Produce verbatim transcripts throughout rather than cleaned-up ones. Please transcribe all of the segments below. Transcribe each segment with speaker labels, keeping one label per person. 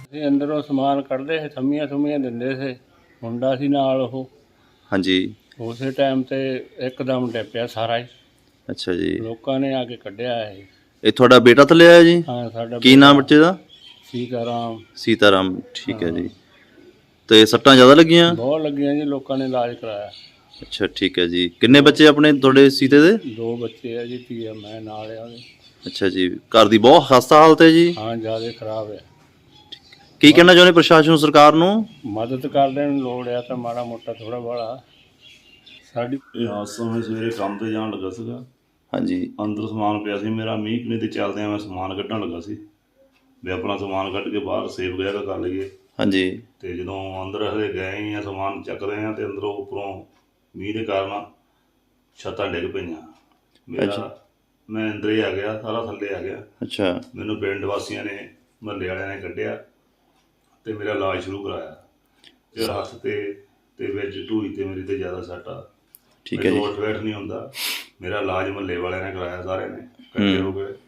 Speaker 1: ਅਸੀਂ ਅੰਦਰੋਂ ਸਮਾਨ ਕੱਢਦੇ ਸੀ, ਥੰਮੀਆਂ ਥੁੰਮੀਆਂ ਦਿੰਦੇ ਸੀ, ਮੁੰਡਾ ਸੀ ਨਾਲ ਉਹ।
Speaker 2: ਹਾਂਜੀ।
Speaker 1: ਉਸੇ ਟਾਈਮ ਤੇ ਇੱਕਦਮ ਡਿੱਪਿਆ ਸਾਰਾ ਹੀ,
Speaker 2: ਅੱਛਾ ਜੀ।
Speaker 1: ਲੋਕਾਂ ਨੇ ਆ ਕੇ ਕੱਢਿਆ ਇਹ।
Speaker 2: ਇਹ ਤੁਹਾਡਾ ਬੇਟਾ ਥੱਲੇ ਆਇਆ ਜੀ?
Speaker 1: ਹਾਂ, ਸਾਡਾ
Speaker 2: ਕੀ ਨਾਮ ਬੱਚੇ ਦਾ?
Speaker 1: ਸੀਤਾਰਾਮ।
Speaker 2: ਸੀਤਾਰਾਮ, ਠੀਕ ਹੈ ਜੀ। ਤੇ ਸੱਟਾਂ ਜ਼ਿਆਦਾ ਲੱਗੀਆਂ?
Speaker 1: ਬਹੁਤ ਲੱਗੀਆਂ ਜੀ, ਲੋਕਾਂ ਨੇ ਇਲਾਜ ਕਰਾਇਆ।
Speaker 2: ਅੱਛਾ, ਠੀਕ ਹੈ ਜੀ। ਕਿੰਨੇ ਬੱਚੇ ਆਪਣੇ ਤੁਹਾਡੇ ਸੀਤੇ ਦੇ?
Speaker 1: ਦੋ ਬੱਚੇ ਆ ਜੀ, ਧੀ ਮੈਂ ਨਾਲ ਆ ਉਹਦੇ।
Speaker 2: ਅੱਛਾ ਜੀ। ਘਰ ਦੀ ਬਹੁਤ ਖਸਤਾ ਹਾਲਤ ਹੈ ਜੀ?
Speaker 1: ਹਾਂ, ਜ਼ਿਆਦਾ ਖਰਾਬ ਹੈ।
Speaker 2: ਕੀ ਕਹਿਣਾ ਚਾਹੁੰਦੇ ਪ੍ਰਸ਼ਾਸਨ ਨੂੰ, ਸਰਕਾਰ ਨੂੰ?
Speaker 1: ਮਦਦ ਕਰਦੇ ਨੂੰ ਲੋੜ ਆ ਤਾਂ ਮਾੜਾ ਮੋਟਾ ਥੋੜਾ ਬਾਲਾ ਸਾਡੀ।
Speaker 3: ਇਹ ਹਾਦਸਾ ਮੈਂ ਸਵੇਰੇ ਕੰਮ ਤੇ ਜਾਣ ਲੱਗਾ ਸੀਗਾ।
Speaker 2: ਹਾਂਜੀ।
Speaker 3: ਅੰਦਰ ਸਮਾਨ ਪਿਆ ਸੀ ਮੇਰਾ, ਮੀਂਹ ਕਣੀ ਤੇ ਚੱਲਦਿਆਂ ਮੈਂ ਸਮਾਨ ਕੱਢਣ ਲੱਗਾ ਸੀ ਵੀ ਆਪਣਾ ਸਮਾਨ ਕੱਢ ਕੇ ਬਾਹਰ ਸੇਫ ਵਗੈਰਾ ਕਰ ਲਈਏ।
Speaker 2: ਹਾਂਜੀ।
Speaker 3: ਤੇ ਜਦੋਂ ਅੰਦਰ ਹਲੇ ਗਏ ਹੀ ਆ, ਸਮਾਨ ਚੱਕਦੇ ਆ ਤੇ ਅੰਦਰੋਂ ਉੱਪਰੋਂ ਮੀਂਹ ਦੇ ਕਾਰਨ ਛੱਤਾਂ ਡਿੱਗ ਪਈਆਂ। ਮੇਰਾ ਮੈਂ ਅੰਦਰ ਹੀ ਆ ਗਿਆ, ਸਾਰਾ ਥੱਲੇ ਆ ਗਿਆ।
Speaker 2: ਅੱਛਾ।
Speaker 3: ਮੈਨੂੰ ਪਿੰਡ ਵਾਸੀਆਂ ਨੇ, ਮਹੱਲੇ ਵਾਲਿਆਂ ਨੇ ਕੱਢਿਆ ਤੇ ਮੇਰਾ ਇਲਾਜ ਸ਼ੁਰੂ ਕਰਾਇਆ। ਤੇ ਹੱਥ ਤੇ ਤੇ ਵਿੱਚ ਢੂਈ ਤੇ ਮੇਰੀ ਤੇ ਜ਼ਿਆਦਾ ਸੱਟ ਆ।
Speaker 2: ਠੀਕ ਹੈ ਜੀ।
Speaker 3: ਉੱਠ ਬੈਠ ਨਹੀਂ ਹੁੰਦਾ। ਮੇਰਾ ਇਲਾਜ ਮਹੱਲੇ ਵਾਲਿਆਂ ਨੇ ਕਰਾਇਆ, ਸਾਰਿਆਂ ਨੇ ਇਕੱਠੇ ਹੋ ਗਏ।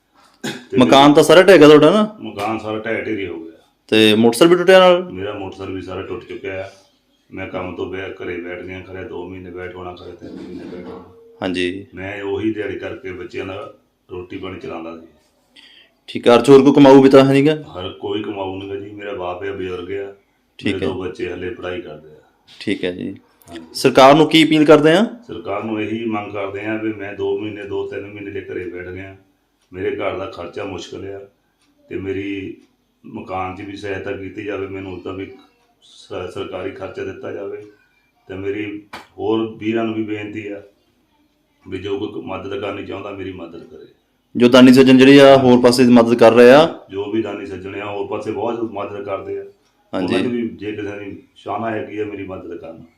Speaker 2: ਮਕਾਨ ਤਾਂ ਸਾਰਾ ਢਹਿ ਗਿਆ ਤੁਹਾਡਾ ਨਾ?
Speaker 3: ਮਕਾਨ ਸਾਰਾ ਢਹਿ ਢੇਰੀ ਹੋ ਗਿਆ।
Speaker 2: ਤੇ ਮੋਟਰਸਾਈਕਲ ਵੀ ਟੁੱਟਿਆ ਨਾਲ?
Speaker 3: ਮੇਰਾ ਮੋਟਰਸਾਈਕਲ ਵੀ ਸਾਰਾ ਟੁੱਟ ਚੁੱਕਿਆ ਆ। ਮੈਂ ਕੰਮ ਤੋਂ ਬੈ ਘਰੇ ਬੈਠ ਗਿਆ, ਖਰੇ ਦੋ ਮਹੀਨੇ ਬੈਠ ਹੋਣਾ, ਖਰੇ ਤਿੰਨ ਮਹੀਨੇ ਬੈਠ ਹੋਣਾ।
Speaker 2: ਹਾਂਜੀ।
Speaker 3: ਮੈਂ ਉਹੀ ਦਿਹਾੜੀ ਕਰਕੇ ਬੱਚਿਆਂ ਦਾ ਰੋਟੀ ਪਾਣੀ ਚਲਾਉਂਦਾ ਸੀ।
Speaker 2: ਠੀਕ ਹੈ। ਚੋਰ ਕੋ ਕਮਾਊ ਵੀ ਤਾਂ ਹੈ ਨਹੀਂਗਾ?
Speaker 3: ਹਰ ਕੋਈ ਕਮਾਊ ਨਹੀਂ ਜੀ। ਮੇਰਾ ਬਾਪ ਹੈ, ਬਜ਼ੁਰਗ ਆ।
Speaker 2: ਠੀਕ ਹੈ।
Speaker 3: ਦੋ ਬੱਚੇ ਹਲੇ ਪੜ੍ਹਾਈ ਕਰਦੇ ਆ।
Speaker 2: ਠੀਕ ਹੈ ਜੀ। ਸਰਕਾਰ ਨੂੰ ਕੀ ਅਪੀਲ ਕਰਦੇ ਆ?
Speaker 3: ਸਰਕਾਰ ਨੂੰ ਇਹੀ ਮੰਗ ਕਰਦੇ ਆ ਵੀ ਮੈਂ ਦੋ ਮਹੀਨੇ ਦੋ ਤਿੰਨ ਮਹੀਨੇ ਦੇ ਘਰੇ ਬੈਠ ਗਿਆ। ਮੇਰੇ ਘਰ ਦਾ ਖਰਚਾ ਮੁਸ਼ਕਿਲ ਆ ਤੇ ਮੇਰੀ ਮਕਾਨ 'ਚ ਵੀ ਸਹਾਇਤਾ ਕੀਤੀ ਜਾਵੇ। ਮੈਨੂੰ ਉੱਦਾਂ ਵੀ ਸ- ਸਰਕਾਰੀ ਖਰਚਾ ਦਿੱਤਾ ਜਾਵੇ। ਤੇ ਮੇਰੀ ਹੋਰ ਵੀਰਾਂ ਨੂੰ ਵੀ ਬੇਨਤੀ ਆ ਵੀ ਜੋ ਕੋਈ ਮਦਦ ਕਰਨੀ ਚਾਹੁੰਦਾ ਮੇਰੀ ਮਦਦ ਕਰੇ।
Speaker 2: ਜੋ ਦਾਨੀ ਸੱਜਣ ਜਿਹੜੀ ਆ ਹੋਰ ਪਾਸੇ ਮਦਦ ਕਰ ਰਹੇ ਆ,
Speaker 3: ਜੋ ਵੀ ਦਾਨੀ ਸੱਜਣੇ ਆ ਹੋਰ ਪਾਸੇ ਬਹੁਤ ਮਦਦ ਕਰਦੇ ਆ।
Speaker 2: ਹਾਂਜੀ।
Speaker 3: ਉਹਨਾਂ ਦੀ ਵੀ ਜੇ ਕਿਸੇ ਦੀ ਸ਼ਾਨਾ ਹੈਗੀ ਆ ਮੇਰੀ ਮਦਦ ਕਰਨ।